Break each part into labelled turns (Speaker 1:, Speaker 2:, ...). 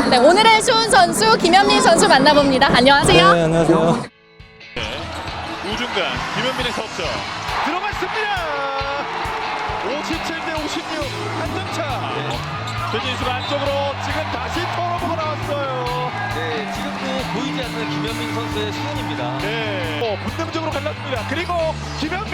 Speaker 1: 네, 오늘의 쇼운 선수 김현민 선수 만나봅니다. 안녕하세요.
Speaker 2: 네, 안녕하세요.
Speaker 3: 우중간 김현민의 석점 들어갔습니다. 57대 56 한점차. 변진수가 안쪽으로 지금 다시 턴오버가 나왔어요.
Speaker 4: 네, 지금도 보이지 않는 김현민 선수의 수훈입니다.
Speaker 3: 네, 본능적으로 갈랐습니다. 그리고 김현민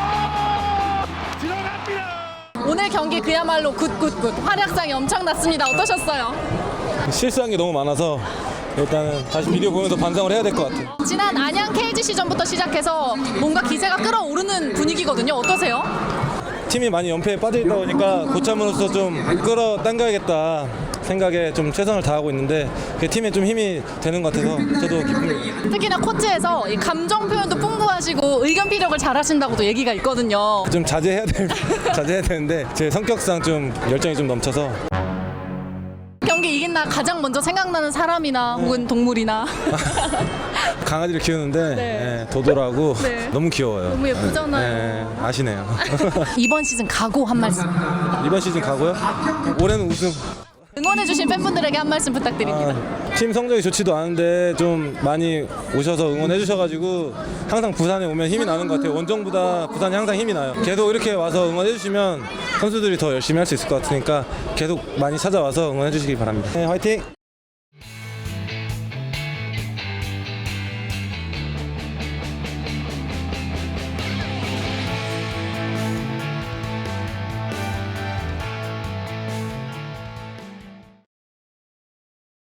Speaker 3: 들어갑니다.
Speaker 1: 오늘 경기 그야말로 굿굿굿 활약상이 엄청났습니다. 어떠셨어요?
Speaker 2: 실수한 게 너무 많아서 일단은 다시 비디오 보면서 반성을 해야 될 것 같아요.
Speaker 1: 지난 안양 KGC전부터 시작해서 뭔가 기세가 끌어오르는 분위기거든요. 어떠세요?
Speaker 2: 팀이 많이 연패에 빠져 있다 보니까 고참으로서 좀 끌어당겨야겠다 생각에 좀 최선을 다하고 있는데 그게 팀에 좀 힘이 되는 것 같아서 저도 기쁩니다.
Speaker 1: 특히나 코트에서 이 감정 표현도 풍부하시고 의견 피력을 잘하신다고도 얘기가 있거든요.
Speaker 2: 좀 자제해야 되는데 제 성격상 좀 열정이 좀 넘쳐서
Speaker 1: 경기 이긴 날 가장 먼저 생각나는 사람이나 혹은 동물이나
Speaker 2: 강아지를 키우는데
Speaker 1: 네.
Speaker 2: 예, 도도라고
Speaker 1: 네.
Speaker 2: 너무 귀여워요.
Speaker 1: 너무 예쁘잖아요.
Speaker 2: 예, 아시네요.
Speaker 1: 이번 시즌 각오 한 말씀.
Speaker 2: 이번 시즌 가고요. 올해는 우승.
Speaker 1: 응원해주신 팬분들에게 한 말씀 부탁드립니다.
Speaker 2: 팀 성적이 좋지도 않은데 좀 많이 오셔서 응원해 주셔가지고 항상 부산에 오면 힘이 나는 것 같아요. 원정보다 부산이 항상 힘이 나요. 계속 이렇게 와서 응원해 주시면 선수들이 더 열심히 할 수 있을 것 같으니까 계속 많이 찾아와서 응원해 주시기 바랍니다. 네, 화이팅!